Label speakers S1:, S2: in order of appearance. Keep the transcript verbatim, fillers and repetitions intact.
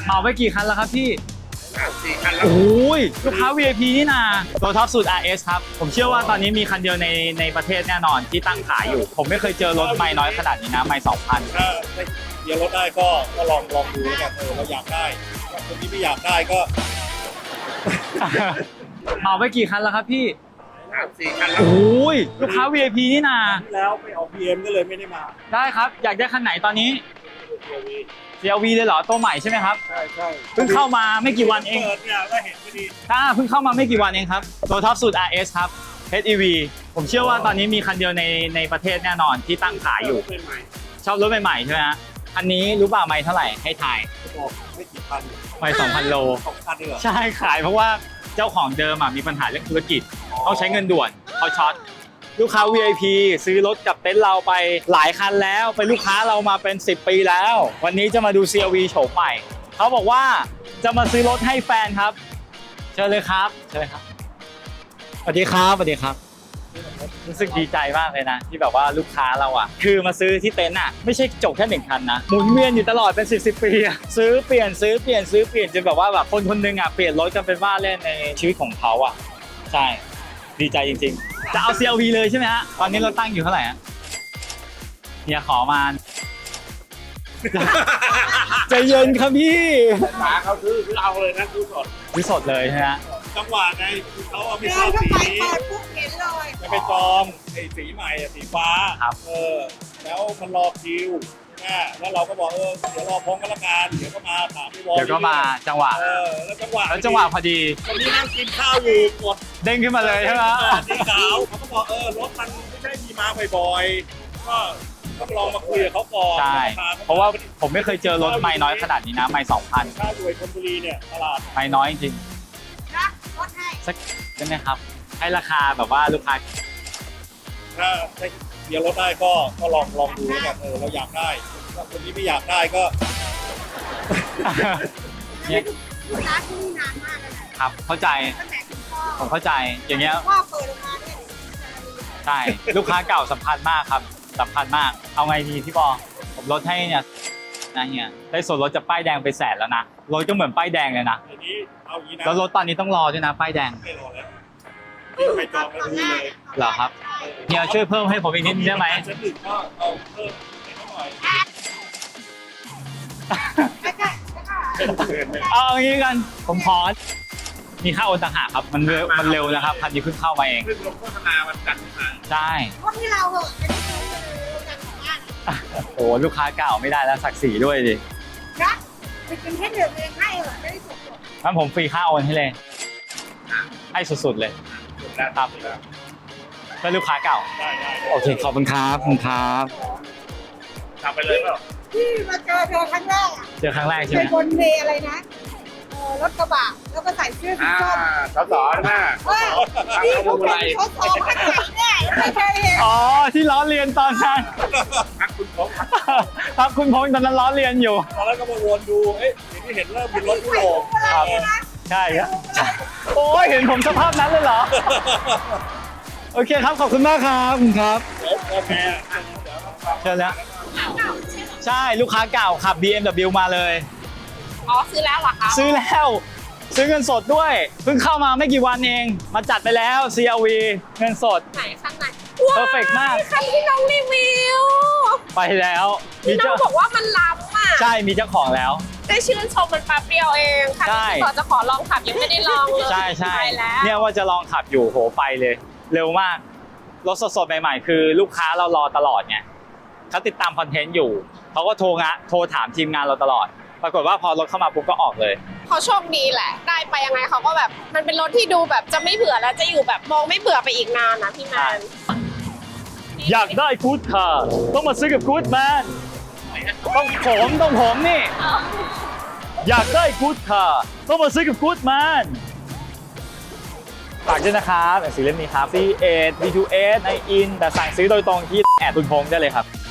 S1: เหมาไปกี่คันแล้วครับพี่
S2: สี่คันแล้ว
S1: โอ้ยลูกค้า วี ไอ พี นี่นาตัวท็อปสุด อาร์ เอส ครับผมเชื่อว่าตอนนี้มีคันเดียวในในประเทศแน่นอนที่ตั้งขายอยู่ผมไม่เคยเจอรถไม่น้อยขนาดนี้นะไม่สองพัน
S2: ถ้าเกียร์รถได้ก็ก็ลองลองดูแล้วกันเออเราอยากได้ถ้าคนที่ไม่อยากได้ก็
S1: เหมาไปกี่คันแล้วครับพี่
S2: สี่คันแล้ว
S1: โอ้ยลูกค้า วี ไอ พี นี่นา
S2: ที่แล้วไปออก บี เอ็ม ก็เลยไม่ได้มา
S1: ได้ครับอยากได้คันไหนตอนนี้ ซี แอล วี เลยเหรอตัวใหม่ใช่ไหมครับ
S2: ใช่ใช่
S1: เพิ่งเข้ามาไม่กี่วันเอง
S2: เปิดเนี่ยก็เห็นพอดี
S1: ถ้าเพิ่งเข้ามาไม่กี่วันเองครับตัวท็อปสุด อาร์ เอส ครับ เอช อี วี ผมเชื่อว่าตอนนี้มีคันเดียวในในประเทศแน่นอนที่ตั้งขายอยู่
S2: เป็นใหม่
S1: ชอบรถใหม่ๆใช่ไหมฮะอันนี้รู้ป่าวไม่เท่าไหร่ให้ทาย
S2: บอกไม่กี่พัน
S1: ไม่สองพันโล
S2: สองพันเลยเหรอ
S1: ใช่ขายเพราะว่าเจ้าของเดิมอ่ะมีปัญหาเรื่องธุรกิจต้องใช้เงินด่วนเขาช็อตลูกค้า วี ไอ พี ซื้อรถกับเต็นท์เราไปหลายคันแล้วเป็นลูกค้าเรามาเป็นสิบปีแล้ว วันนี้จะมาดู ซี แอล วี โฉมใหม่เขาบอกว่าจะมาซื้อรถให้แฟนครับเชิญเลยครับเชิญเลยครับสวัสดีครับสวัสดีครับรู้สึกดีใจมากเลยนะที่แบบว่าลูกค้าเราอ่ะคือมาซื้อที่เต็นท์อ่ะไม่ใช่จบแค่หนึ่งคันนะหมุนเวียนอยู่ตลอดเป็นสิบสิบปีอะซื้อเปลี่ยนซื้อเปลี่ยนซื้อเปลี่ยนจนแบบว่าแบบคนคนหนึงอ่ะเปลี่ยนรถกันเป็นว่าเล่นในชีวิตของเขาอ่ะใช่ดีใจจริงๆจะเอา ซี แอล วี เลยใช่ไหมฮะตอนนี้เราตั้งอยู่เท่าไหร่ฮะเนี่ยขอมา ใจเย็นครับพี่
S2: หาเขาซื้อซื้อเอาเลยนะซื้อสด
S1: วิสดเลยใช่ไหมฮะ
S2: จังหวะไงคือเขาเอาไม่
S3: เดิ
S2: ชอน บ
S3: เข้า
S2: สี
S3: ไป
S2: นี้
S3: เปิดปุ๊บเห็นเลย
S2: จะไปจองไอ้สีใหม่อะสีฟ้า
S1: ครับ
S2: เออแล้วมันรอคิวนะแล้วเราก็บอกเออเดี๋ยวรอพร้อมกันละกันเดี๋ยวก็มาถามพี่วอล
S1: เดี๋ยวก็มาจังหวะ
S2: เออแล้วจังหวะ
S1: แล้วจังหวะพอดี
S2: วันนี้นั่งกินข้าวอยู่กด
S1: เด้งขึ้นมาเลยใช่ไหม
S2: สีขาวเขาก็บอกเออรถมันไม่ใช่มีมาบ่อยๆก็ก็ลองมาคุยกับเขาก่อน
S1: ใช่ เพราะว่าผมไม่เคยเจอรถไม่น้อยขนาดนี้นะไม่สองพัน
S2: ข้าวอยู่ไอ้ชลบุรีเนี่ยตลาด
S1: ไม่น้อยจริง
S3: นะรถให้
S1: สักได้ไหมครับ ให้ราคาแบบว่าลูกค้า
S2: ถ้าถ้าเกียร์รถได้ก็ก็ลองลองดูแล้วกันเออเราอยากได้ถ้าคนที่ไม่อยากได้ก็
S1: เนี่ย
S3: ลูกค้าที่นี่นานมากเลยนะครับ
S1: เข้าใจ
S3: ตั้งแต่คุณพ่อ
S1: ผมเข้าใจอย่างเงี้ย
S3: พ่อเปิดออกมาเนี่ย
S1: ใช่ลูกค้าเก่าสำคัญมากครับสำคัญมากเอาไงดีพี่บอผมลดให้เนี่ยนะเฮียได้ส่วนลดจากป้ายแดงไปแสนแล้วนะรถก็เหมือนป้ายแดงเลยนะ
S2: อันนี้เอาอย่างนี้นะ
S1: แล้วรถตอนนี้ต้องรอด้วยนะป้ายแดง
S2: ไม่รอแล้วนี่ไปจองแล้วดูเลย
S1: เหรอครับเฮียช่วยเพิ่มให้ผมอีกนิดนึงได้ไหม
S2: ชั้นหนึ่งก็เอาเพิ่มให้เขาหน่อย
S3: ใกล้ๆใกล้ๆ
S1: เอาอย่างนี้กันผมขอมีค่าโอนต่างหากครับมันเร็วมันเร็วนะครับคันนี้เพิ่งเข้ามาเอง
S2: ซึ่งลงโฆษณามันกันมา
S1: ใช่
S3: พวกที่เราเหอะจะได้ซื้อเลยโรงงานของบ้าน
S1: โอ้ลูกค้าเก่าไม่ได้แล้วศักดิ์ศรีด้วยดิ
S3: นะไปกินแค่เดือนเองให้เหอะจะได้จบ
S1: งั้นผมฟรีค่าโอนให้เลยให้สุดๆเลย
S2: จบแล้ว
S1: ครับเพื่อลูกค้าเก่า
S2: ได้ได้
S1: โอเคขอบคุณครับขอบคุณครับ
S2: ทำไปเลยเปล่า
S3: ที่มาเจอเธอครั้งแรกอ่ะ
S1: เจอครั้งแรกใช่
S3: เป็
S1: ไหม
S3: นบนเวอะไรนะเออรถกระบะแล้วก็ใส่เสื้อสี
S2: อ่า
S3: ส้ม
S2: สสนะ
S3: เฮ้ยที่เขาเป็นเขาสองขนาดเนี่ยไม่เคยเห็น
S1: อ๋อที่ล้อเลียนตอนนั้น
S2: พักคุณพงษ์
S1: ครับคุณพงษ์ตอนนั้นล้อเลียนอยู่
S2: ตอนแรกก็มาวนดูเอ๊ะเห็นที่เห็นเริ่มมีรถยุโรป
S1: ครับ ใช่ครับโอ้ยเห็นผมสภาพนั้นเลยเหรอโอเคครับขอบคุณมากครับขอบคุณครับ
S2: เดี๋ยวโอเค
S1: เชิญแล้วใช่ลูกค้าเก่าขับ บี เอ็ม ดับเบิลยู มาเลย
S4: อ๋อซื้อแล้วเหรอคะ
S1: ซื้อแล้วซื้อเงินสดด้วยเพิ่งเข้ามาไม่กี่วันเองมาจัดไปแล้ว ซี แอล วี เงินสด
S4: ไหนข้างใน
S1: Perfect มาก
S4: คันที่น้องรีวิว
S1: ไปแล้วมี
S4: ที่น้อ
S1: เจ้าง
S4: บอกว่ามันล้ำอ่ะ
S1: ใช่มีเจ้าของแล้ว
S4: ได้ชื่นชมมันแป๊บเดียวเองคัน
S1: ใช่
S4: ที่ต่อจะขอลองขับยังไม่ได้ลองเลย
S1: ใช่ใช่
S4: ไปแล้ว
S1: เนี่ยว่าจะลองขับอยู่โหไปเลย เร็วมากรถสดๆใหม่ๆคือลูกค้าเรารอตลอดไงเขาติดตามคอนเทนต์อยู่เขาก็โทรงะโทรถามทีมงานเราตลอด ปรากฏว่าพอรถเข้ามาปุ๊บก็ออกเลย
S4: เขาโชคดีแหละ ได้ไปยังไงเขาก็แบบ มันเป็นรถที่ดูแบบจะไม่เบื่อแล้วจะอยู่แบบมองไม่เบื่อไปอีกนานนะพี่แมน
S1: อยากได้กู๊ดคาร์ต้องมาซื้อกับกู๊ดแมนต้องผมต้องผมนี่ อยากได้กู๊ดคาร์ต้องมาซื้อกับกู๊ดแมนฝากด้วยนะครับหนังสือเล่มนี้ครับ ซี เอท บี ทู เอส ในอินแต่สั่งซื้อโดยตรงที่แอดตุนพงษ์ได้เลยครับ